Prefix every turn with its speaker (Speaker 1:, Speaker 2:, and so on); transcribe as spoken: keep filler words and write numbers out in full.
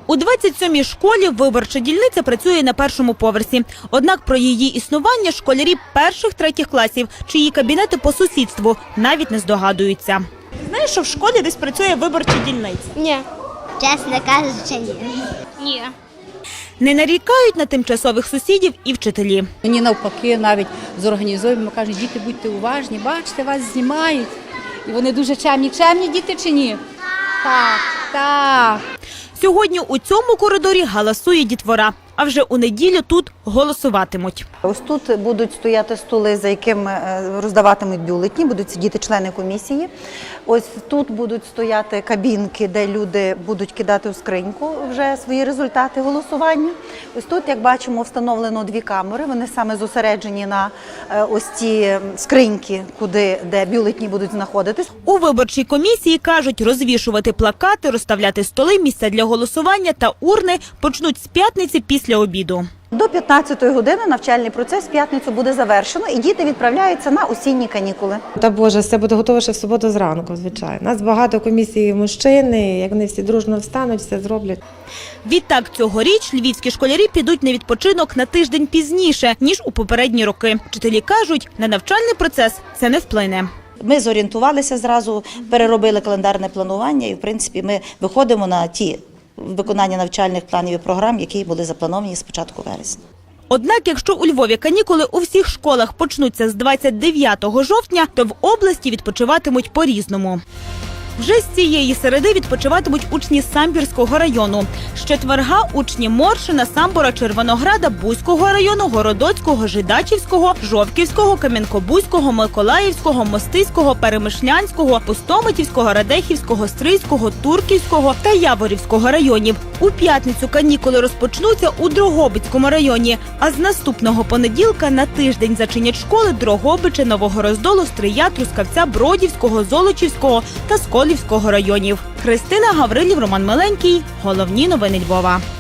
Speaker 1: У двадцять сьомій школі виборча дільниця працює на першому поверсі. Однак про її існування школярі перших-третіх класів, чиї кабінети по сусідству, навіть не здогадуються. Знаєш, що в школі десь працює виборча дільниця?
Speaker 2: Ні. Чесно кажучи, ні. Ні.
Speaker 1: Не нарікають на тимчасових сусідів і вчителі.
Speaker 3: Мені навпаки навіть зорганізуємо, кажуть, діти, будьте уважні, бачите, вас знімають. І вони дуже чемні. Чемні діти чи ні? Так, так.
Speaker 1: Сьогодні у цьому коридорі галасує дітвора, а вже у неділю тут голосуватимуть.
Speaker 4: Ось тут будуть стояти столи, за якими роздаватимуть бюлетні, будуть сидіти члени комісії. Ось тут будуть стояти кабінки, де люди будуть кидати у скриньку вже свої результати голосування. Ось тут, як бачимо, встановлено дві камери, вони саме зосереджені на ось ці скриньки, куди, де бюлетні будуть знаходитись.
Speaker 1: У виборчій комісії кажуть, розвішувати плакати, розставляти столи, місця для голосування та урни почнуть з п'ятниці після обіду.
Speaker 4: До п'ятнадцятої години навчальний процес в п'ятницю буде завершено і діти відправляються на осінні канікули.
Speaker 5: Та Боже, все буде готово ще в суботу зранку, звичайно. У нас багато комісій мужчин, як вони всі дружно встануть, все зроблять.
Speaker 1: Відтак цьогоріч львівські школярі підуть на відпочинок на тиждень пізніше, ніж у попередні роки. Вчителі кажуть, на навчальний процес це не вплине.
Speaker 6: Ми зорієнтувалися зразу, переробили календарне планування і, в принципі, ми виходимо на ті виконання навчальних планів і програм, які були заплановані з початку вересня.
Speaker 1: Однак, якщо у Львові канікули у всіх школах почнуться з двадцять дев'ятого жовтня, то в області відпочиватимуть по-різному. Вже з цієї середи відпочиватимуть учні Самбірського району. З четверга учні Моршина, Самбора, Червонограда, Буського району, Городоцького, Жидачівського, Жовківського, Кам'янко-Бузького, Миколаївського, Мостиського, Перемишлянського, Пустомитівського, Радехівського, Стрийського, Турківського та Яворівського районів. У п'ятницю канікули розпочнуться у Дрогобицькому районі, а з наступного понеділка на тиждень зачинять школи Дрогобича, Нового Роздолу, Стрия, Трускавця, Бродівського, Золочівського та Сколівського районів. Христина Гаврилів, Роман Миленький. Головні новини Львова.